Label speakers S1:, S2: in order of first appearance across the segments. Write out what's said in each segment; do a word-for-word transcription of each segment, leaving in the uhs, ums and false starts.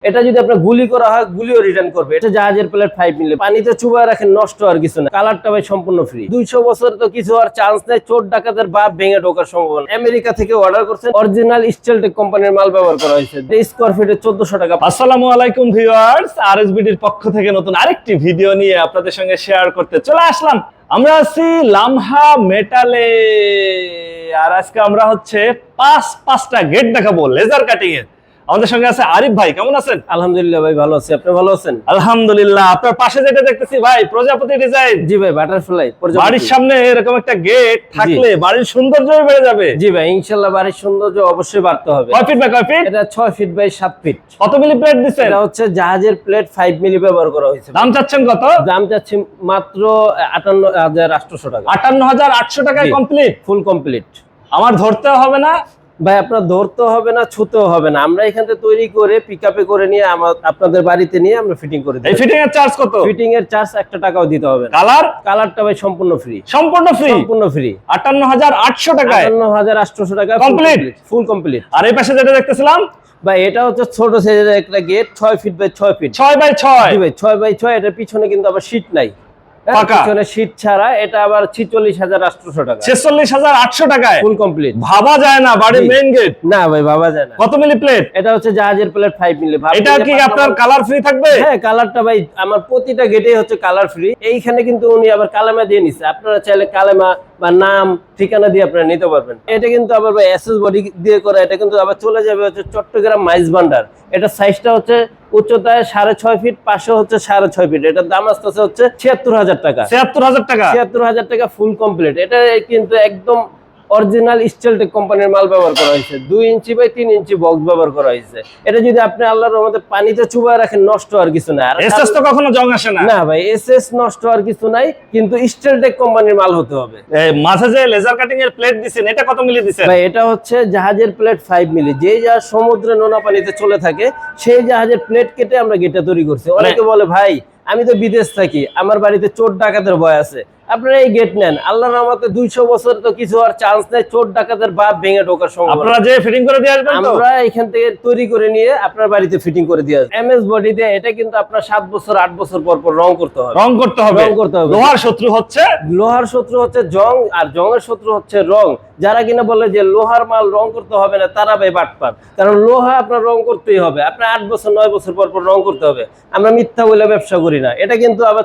S1: এটা যদি আপনার গুলি করা হয় গুলিও রিটার্ন করবে। এটা জাহাজের প্লেট ফাইভ মিলি, পানিতে চুবায় রাখেন, নষ্ট আর কিছু না। কালারটা ভাই সম্পূর্ণ ফ্রি। দুইশো বছর তো কিছু হওয়ার চান্স নেই। চোর ডাকাতের বাপ ভেঙে ঢোকার সম্ভাবনা। আমেরিকা থেকে অর্ডার করছেন, অরিজিনাল স্টিলটেক কোম্পানির মাল ব্যবহার করা হয়েছে। স্কোয়ার ফিটে চোদ্দশো টাকা।
S2: আসসালামু আলাইকুম ভিউয়ার্স, আরএসবিডির পক্ষ থেকে নতুন আরেকটি ভিডিও নিয়ে আপনাদের সঙ্গে শেয়ার করতে চলে আসলাম। আমরা আছি লামহা মেটালে, আর আজকে আমরা হচ্ছে পাঁচ পাঁচটা গেট দেখাবো লেজার কাটিং এর। আমাদের সঙ্গে আছে আরিফ ভাই, কেমন আছেন?
S1: আলহামদুলিল্লাহ ভাই, ভালো আছি। আপনি ভালো আছেন?
S2: আলহামদুলিল্লাহ। আপনার পাশে যেটা দেখতেছি ভাই, প্রজাপতি ডিজাইন।
S1: জি ভাই, বাটারফ্লাই।
S2: বাড়ির সামনে এরকম একটা গেট থাকলে বাড়ির সৌন্দর্য বেড়ে যাবে।
S1: জি ভাই, ইনশাআল্লাহ বাড়ির সৌন্দর্য অবশ্যই বাড়তে হবে।
S2: কয় ফিট বাই কয় ফিট?
S1: এটা ছয় ফিট বাই সাত ফিট।
S2: কত মিলি প্লেট দিচ্ছেন?
S1: এটা হচ্ছে জাহাজের প্লেট ফাইভ মিলি ব্যবহার করা হয়েছে।
S2: দাম চাচ্ছেন কত?
S1: দাম চাচ্ছি মাত্র আটান্ন হাজার আটশো টাকা।
S2: আটান্ন হাজার আটশো টাকায় কমপ্লিট,
S1: ফুল কমপ্লিট।
S2: আমার ধরতেও হবে না
S1: ভাই, আপনার ধরতে হবে না, ছুতেও হবে না। আমরা এখান থেকে তৈরি করে পিকআপে করে নিয়ে আপনাদের বাড়িতে নিয়ে আমরা ফিটিং করে দিই।
S2: এই ফিটিং এর চার্জ কত?
S1: ফিটিং এর চার্জ একটা টাকাও দিতে হবে না।
S2: কালার
S1: কালারটা ভাই সম্পূর্ণ ফ্রি।
S2: সম্পূর্ণ ফ্রি,
S1: সম্পূর্ণ ফ্রি।
S2: আটান্ন হাজার আটশো টাকায়,
S1: আটান্ন হাজার আটশো টাকা
S2: কমপ্লিট,
S1: ফুল কমপ্লিট।
S2: আর এই পাশে যেটা দেখতেছিলাম
S1: ভাই, এটা হচ্ছে ছোট সাইজের একটা গেট, ছয় ফিট বাই ছয় ফিট।
S2: ছয় বাই ছয়।
S1: জি ভাই, ছয় বাই ছয়। এটার পিছনে কিন্তু আবার শীট নাই,
S2: পাকা
S1: পিছনে শীট ছাড়া। এটা আবার ছিচল্লিশ হাজার আটশো টাকা।
S2: ছেচল্লিশ হাজার আটশো টাকায়
S1: ফুল কমপ্লিট।
S2: ভাবা যায় না বাড়ির মেইন গেট।
S1: না ভাই, ভাবা যায় না।
S2: কত মিলি প্লেট?
S1: এটা হচ্ছে জাহাজের প্লেট ফাইভ মিলি।
S2: এটা কি আপনার কালার ফ্রি থাকবে?
S1: হ্যাঁ, কালারটা ভাই আমার প্রতিটা গেটেই হচ্ছে কালার ফ্রি। এইখানে কিন্তু উনি আবার কালেমা দিয়ে নিচ্ছে। আপনারা চাইলে কালেমা বা নাম ঠিকানা দিয়ে আপনারা নিতে পারবেন। এটা কিন্তু আবার ভাই এসএস বডি দিয়ে করা। এটা কিন্তু আবার চলে যাবে হচ্ছে চট্টগ্রাম মাইজ ভান্ডার। এটা সাইজটা হচ্ছে উচ্চতায় সাড়ে ছয় ফিট, পাশে হচ্ছে সাড়ে ছয় ফিট। এটার দাম আসতেছে হচ্ছে ছিয়াত্তর হাজার টাকা।
S2: ছিয়াত্তর হাজার টাকা
S1: ছিয়াত্তর হাজার টাকা ফুল কমপ্লিট। এটা কিন্তু একদম অরিজিনাল স্টিলটেক কোম্পানির মাল ব্যবহার করা হয়েছে। দুই ইঞ্চি বাই তিন ইঞ্চি বক্স ব্যবহার করা হয়েছে। এটা যদি আপনি আল্লাহর রহমতে পানিতে চুবায় রাখেন, নষ্ট আর কিছু না।
S2: এসএস তো কখনো জং আসে না।
S1: না ভাই, এসএস নষ্ট আর কিছু নাই, কিন্তু স্টিলটেক কোম্পানির মাল হতে হবে।
S2: এই মাঝে যে লেজার কাটিং এর প্লেট দিছেন, এটা কত মিলি দিছেন?
S1: ভাই, এটা হচ্ছে জাহাজের প্লেট ফাইভ মিলি। যে জাহাজ সমুদ্রে নোনা পানিতে চলে থাকে, সেই জাহাজের প্লেট কেটে আমরা গেটটা তৈরি করছি। অনেকে বলে ভাই আমি তো বিদেশ থাকি, আমার বাড়িতে চোর ডাকাতের ভয় আছে। আপনারা এই গেট নেন, আল্লাহর রহমতে দুইশো বছর তো কিছু আর চান্স নেই। চোর ডাকাতের বাপ ভেঙে ঢোকার সম্ভাবনা।
S2: আপনারা যে ফিটিং করে দিয়ে আসবেন তো?
S1: আমরা এখান থেকে তৈরি করে নিয়ে আপনার বাড়িতে ফিটিং করে দিয়ে আসবো। এমএস বডি দিয়ে। এটা কিন্তু আপনার সাত বছর আট বছর পর পর রং করতে হবে।
S2: রং করতে হবে,
S1: রং করতে হবে।
S2: লোহার শত্রু হচ্ছে
S1: লোহার শত্রু হচ্ছে জং, আর জংয়ের শত্রু হচ্ছে রং। যারা কিনা বলে যে লোহার মাল রং করতে হবে না, তারা ভাই বাটপার। কারণ লোহা আপনার রং করতেই হবে। আপনার আট বছর নয় বছর পর পর রং করতে হবে। আমরা মিথ্যা বলে ব্যবসা করি না। এটা কিন্তু আবার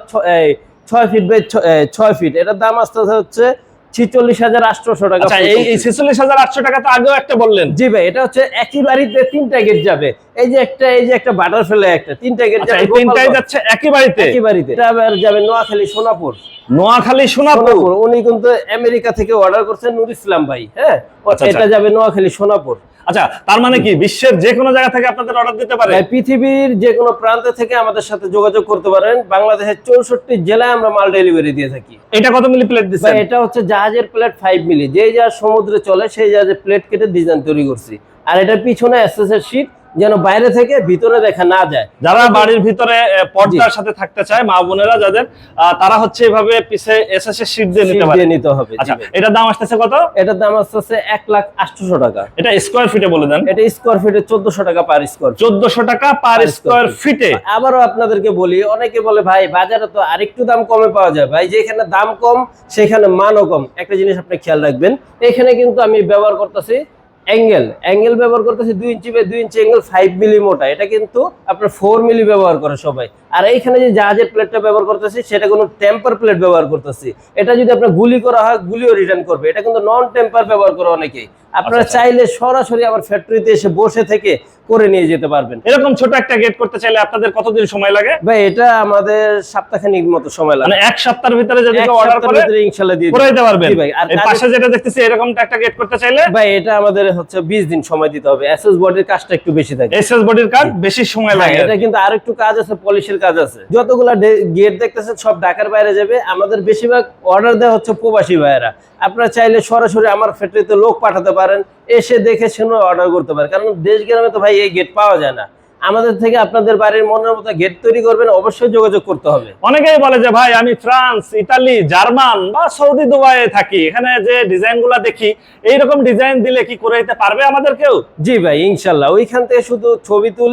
S1: ছয় ফিট বাই ছয় ফিট। এটার দাম আসতে হচ্ছে ছিচল্লিশ হাজার আটশো টাকা।
S2: এই ছেচল্লিশ হাজার আটশো টাকা তো আগেও একটা বললেন।
S1: জি ভাই, এটা হচ্ছে একই বাড়িতে তিনটা গেট যাবে। এই যে একটা, এই যে একটা বাটারফ্লাই, একটা তিনটা গেট যাবে।
S2: তিনটাই যাচ্ছে একই বাড়িতে
S1: একই বাড়িতে। এটা আবার যাবে নোয়াখালী সোনাপুর।
S2: নোয়াখালী সোনাপুর।
S1: উনি কিন্তু আমেরিকা থেকে অর্ডার করছেন, নুর ইসলাম ভাই। হ্যাঁ, এটা যাবে নোয়াখালী সোনাপুর।
S2: আচ্ছা, তার মানে কি বিশ্বের যে কোনো জায়গা থেকে আপনাদের অর্ডার দিতে পারে?
S1: পৃথিবীর যে কোনো প্রান্ত থেকে আমাদের সাথে যোগাযোগ করতে পারেন। বাংলাদেশের চৌষট্টি জেলায় আমরা মাল ডেলিভারি দিয়ে থাকি।
S2: এটা কত মিলি প্লেট দিচ্ছেন?
S1: এটা হচ্ছে জাহাজের প্লেট ফাইভ মিলি। যে জাহাজ সমুদ্রে চলে, সেই জাহাজের প্লেট কেটে ডিজাইন তৈরি করছি। আর এটার পিছনে এসএস এর শীট, যেন বাইরে থেকে ভিতরে দেখা না যায়।
S2: যারা বাড়ির ভিতরে পর্দার সাথে থাকতে চায়, মা বোনেরা যাদের, তারা হচ্ছে এভাবে পিছে এসএস এর শীট দিয়ে নিতে পারে।
S1: নিতে হবে।
S2: আচ্ছা, এটার দাম আসতেছে কত?
S1: এটার দাম আসতেছে এক লাখ আটশো টাকা।
S2: এটা স্কোয়ার ফিটে বলে দেন।
S1: এটা স্কোয়ার ফিটে চোদ্দশো টাকা পার স্কোয়ার।
S2: চোদ্দশো টাকা পার স্কোয়ার ফিটে।
S1: আবারও আপনাদেরকে বলি, অনেকে বলে ভাই বাজারে তো আরেকটু দাম কমে পাওয়া যায়। ভাই, যেখানে দাম কম সেখানে মানও কম। একটা জিনিস আপনি খেয়াল রাখবেন, এখানে কিন্তু আমি ব্যবহার করতেছি অ্যাঙ্গেল অ্যাঙ্গেল ব্যবহার করতেছি দুই ইঞ্চি বাই দুই ইঞ্চি অ্যাঙ্গেল ফাইভ মিলি মোটা। এটা কিন্তু আপনার ফোর মিলি ব্যবহার করে সবাই। আর এইখানে যে জাহাজের প্লেটটা ব্যবহার করতেছি, সেটা কোনো টেম্পার প্লেট ব্যবহার করতেছি। এটা যদি আপনার গুলি করা হয় গুলিও রিটার্ন করবে। এটা কিন্তু নন টেম্পার ব্যবহার করে অনেকেই। আপনারা চাইলে সরাসরি আমার ফ্যাক্টরিতে এসে বসে থেকে করে নিয়ে যেতে পারবেন।
S2: এরকম ছোট একটা গেট করতে চাইলে আপনাদের কতদিন সময় লাগে?
S1: ভাই, এটা আমাদের সপ্তাহখানিক মতো সময় লাগে।
S2: মানে এক সপ্তাহের ভিতরে যদি কেউ অর্ডার করে
S1: ইনশাআল্লাহ দিয়ে
S2: করে দিতে পারবেন।
S1: জি ভাই। আর
S2: এই পাশে যেটা দেখতেছি, এরকমটা একটা গেট করতে চাইলে
S1: ভাই এটা আমাদের হচ্ছে বিশ দিন সময় দিতে হবে। এসএস বডির কাজটা একটু বেশি থাকে।
S2: এসএস বডির কাজ বেশি সময় লাগে।
S1: এটা কিন্তু আরেকটু কাজ আছে, পলিশের কাজ আছে। যতগুলা গেট দেখতেছেন সব ঢাকার বাইরে যাবে। আমাদের বেশিরভাগ অর্ডার দেওয়া হচ্ছে প্রবাসী ভাইয়েরা। আপনারা চাইলে সরাসরি আমার ফ্যাক্টরিতে লোক পাঠাতে পারেন, এসে দেখে শুনে অর্ডার করতে পারেন। কারণ দেশ গ্রামে তো ভাই এই গেট পাওয়া যায় না। আমাদের থেকে আপনাদের বাড়ির মনের মতো গেট তৈরি করবেন, অবশ্যই যোগাযোগ করতে হবে।
S2: অনেকেই বলে যে ভাই আমি ফ্রান্স, ইতালি, জার্মান বা সৌদি দুবাইয়ে থাকি, এখানে যে ডিজাইনগুলো দেখি এইরকম ডিজাইন দিলে কি করে দিতে পারবে আমাদের কেউ?
S1: জি ভাই, ইনশাল্লাহ। ওইখান থেকে শুধু ছবি তুলে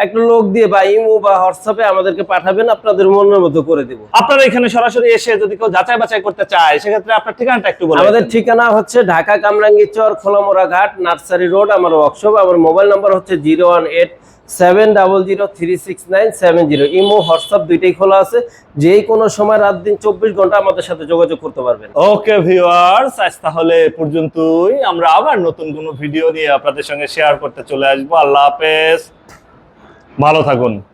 S1: একটা লোক দিয়ে বা ইমো বা হোয়াটসঅ্যাপে আমাদেরকে পাঠাবেন, আপনাদের মনের মতো করে দিব।
S2: আপনারা এখানে সরাসরি এসে যদি কেউ যাচাই বাছাই করতে চায় সেক্ষেত্রে আপনার ঠিকানাটা একটু বলুন।
S1: আমাদের ঠিকানা হচ্ছে ঢাকা কামরাঙ্গীরচর খোলামোড়া ঘাট নার্সারি রোড, আমার ওয়ার্কশপ। আমার মোবাইল নাম্বার হচ্ছে zero one eight seven double zero three six nine seven zero. Imo WhatsApp দুইটাই খোলা আছে, যে কোনো সময় রাত দিন চব্বিশ ঘন্টা আমাদের সাথে যোগাযোগ করতে পারবেন।
S2: ওকে ভিউয়ার্স, আজ তাহলে এ পর্যন্তই। আমরা আবার নতুন কোনো ভিডিও নিয়ে আপনাদের সঙ্গে শেয়ার করতে চলে আসবো। আল্লাহ হাফেজ, ভালো থাকুন।